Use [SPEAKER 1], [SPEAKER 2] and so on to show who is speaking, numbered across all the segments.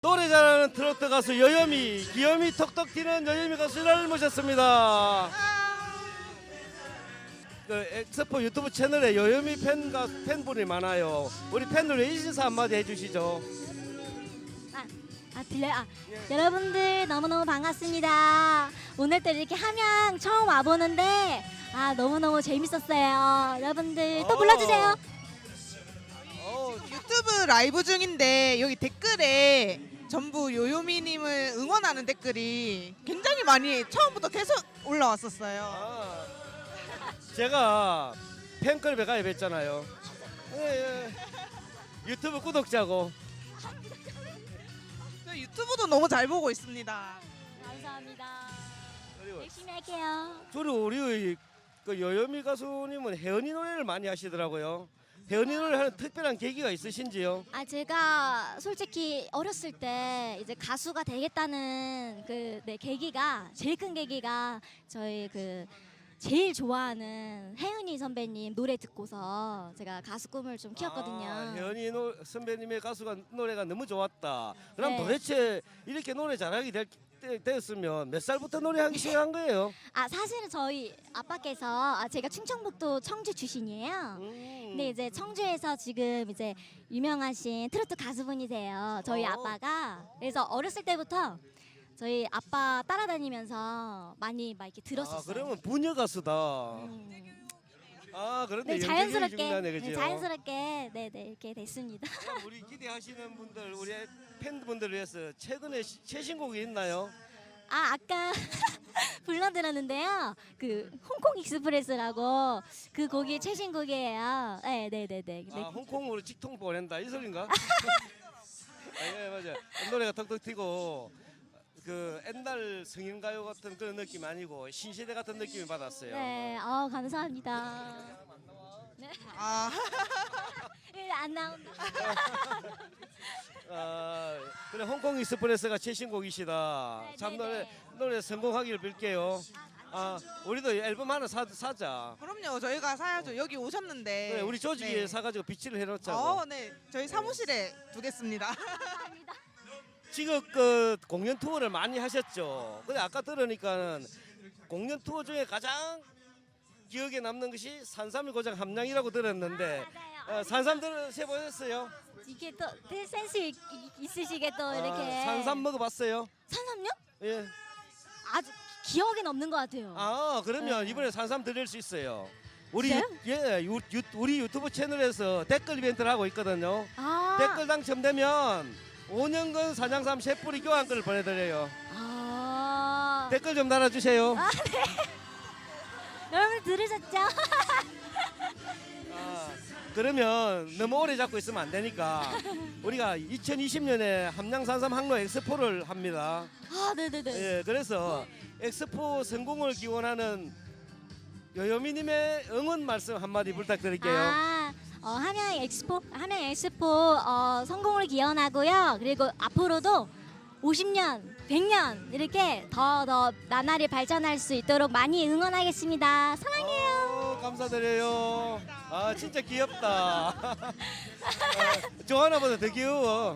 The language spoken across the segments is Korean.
[SPEAKER 1] 노래 잘하는 트로트 가수 여여미, 귀염이 톡톡 튀는 여여미 가수를 모셨습니다. 그 엑스포 유튜브 채널에 여여미 팬분이 많아요. 우리 팬들 인사 한마디 해주시죠.
[SPEAKER 2] 들려요? 여러분들 너무너무 반갑습니다. 오늘 또 이렇게 함양 처음 와보는데 너무너무 재밌었어요. 여러분들 또 불러주세요.
[SPEAKER 3] 유튜브 라이브 중인데 여기 댓글에 전부 요요미님을 응원하는 댓글이 굉장히 많이 처음부터 계속 올라왔었어요.
[SPEAKER 1] 제가 팬클럽에 가입했잖아요. 유튜브 구독자고.
[SPEAKER 3] 저 유튜브도 너무 잘 보고 있습니다.
[SPEAKER 2] 감사합니다.
[SPEAKER 1] 그리고
[SPEAKER 2] 열심히 할게요.
[SPEAKER 1] 주로 우리 그 여여미 가수님은 혜은이 노래를 많이 하시더라고요. 혜은이 노래를 하는 특별한 계기가 있으신지요?
[SPEAKER 2] 제가 솔직히 어렸을 때 이제 가수가 되겠다는 계기가 제일 큰 계기가 저희 제일 좋아하는 혜은이 선배님 노래 듣고서 제가 가수 꿈을 좀 키웠거든요.
[SPEAKER 1] 혜은이 선배님의 노래가 너무 좋았다. 그럼
[SPEAKER 2] 네.
[SPEAKER 1] 도대체 이렇게 노래 잘하게 됐으면 몇 살부터 노래하기 시작한 거예요?
[SPEAKER 2] 사실은 저희 아빠께서 제가 충청북도 청주 출신이에요. 근데 이제 청주에서 지금 이제 유명하신 트로트 가수분이세요. 저희 아빠가. 그래서 어렸을 때부터 저희 아빠 따라다니면서 많이 막 이렇게 들었었어요.
[SPEAKER 1] 그러면 부녀 가수다. 그런데
[SPEAKER 2] 네, 자연스럽게
[SPEAKER 1] 중요하네, 그죠?
[SPEAKER 2] 자연스럽게 이렇게 됐습니다.
[SPEAKER 1] 그럼 우리 기대하시는 분들, 우리 팬분들을 위해서 최근에 최신곡이 있나요?
[SPEAKER 2] 아까 불러드렸는데요. 홍콩 익스프레스라고 그 곡이 최신곡이에요. 네.
[SPEAKER 1] 홍콩으로 직통 보낸다 이 소린가? 예, 맞아. 노래가 톡톡 튀고 그 옛날 성인가요 같은 그런 느낌 아니고 신시대 같은 느낌을 받았어요.
[SPEAKER 2] 네, 감사합니다. 네. 안 나온다.
[SPEAKER 1] 그래 홍콩 익스프레스가 최신곡이시다.
[SPEAKER 2] 네,
[SPEAKER 1] 참
[SPEAKER 2] 네,
[SPEAKER 1] 노래 성공하기를 빌게요. 우리도 앨범 하나 사자.
[SPEAKER 3] 그럼요. 저희가 사야죠. 여기 오셨는데.
[SPEAKER 1] 그래, 우리 조직에
[SPEAKER 3] 네.
[SPEAKER 1] 사가지고 비치를 해놓자고.
[SPEAKER 3] 네. 저희 사무실에 두겠습니다.
[SPEAKER 2] 감사합니다.
[SPEAKER 1] 지금 공연 투어를 많이 하셨죠. 근데 아까 들으니까는 공연 투어 중에 가장 기억에 남는 것이 산삼일 고장 함량이라고 들었는데
[SPEAKER 2] 맞아요.
[SPEAKER 1] 산삼 들으셔보셨어요?
[SPEAKER 2] 이게 또 센스 있으시게 또 이렇게
[SPEAKER 1] 산삼 먹어봤어요?
[SPEAKER 2] 산삼요?
[SPEAKER 1] 예.
[SPEAKER 2] 아주 기억에 없는 것 같아요.
[SPEAKER 1] 그러면
[SPEAKER 2] 네.
[SPEAKER 1] 이번에 산삼 드릴 수 있어요. 우리
[SPEAKER 2] 진짜요?
[SPEAKER 1] 우리 유튜브 채널에서 댓글 이벤트를 하고 있거든요. 댓글 당첨되면 5년간 사냥삼 셰프리 교환권을 보내드려요. 댓글 좀 달아주세요.
[SPEAKER 2] 여러분 들으셨죠?
[SPEAKER 1] 그러면 너무 오래 잡고 있으면 안 되니까 우리가 2020년에 함양산삼 항로 엑스포를 합니다.
[SPEAKER 2] 네네네.
[SPEAKER 1] 예, 그래서 엑스포 성공을 기원하는 여여미님의 응원 말씀 한마디 부탁드릴게요.
[SPEAKER 2] 함양 엑스포 성공을 기원하고요. 그리고 앞으로도 50년, 100년 이렇게 더 나날이 발전할 수 있도록 많이 응원하겠습니다. 사랑해요.
[SPEAKER 1] 감사드려요. 진짜 귀엽다. 조하나보다 더 귀여워.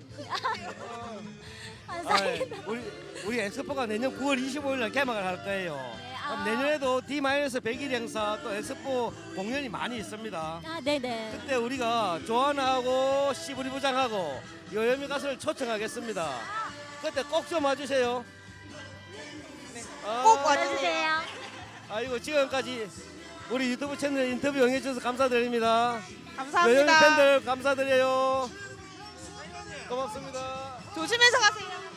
[SPEAKER 2] 감사합니다.
[SPEAKER 1] 우리 엑스포가 내년 9월 25일 날 개막을 할 거예요. 그럼 내년에도 D-100일 행사 또 엑스포 공연이 많이 있습니다.
[SPEAKER 2] 네네.
[SPEAKER 1] 그때 우리가 조하나하고 시부리 부장하고 여여미 가수를 초청하겠습니다. 그때 꼭 좀 와주세요.
[SPEAKER 3] 꼭 와주세요.
[SPEAKER 2] 와주세요.
[SPEAKER 1] 아이고 지금까지 우리 유튜브 채널 인터뷰 응해주셔서 감사드립니다.
[SPEAKER 3] 감사합니다.
[SPEAKER 1] 여여미 팬들 감사드려요. 고맙습니다.
[SPEAKER 3] 조심해서 가세요.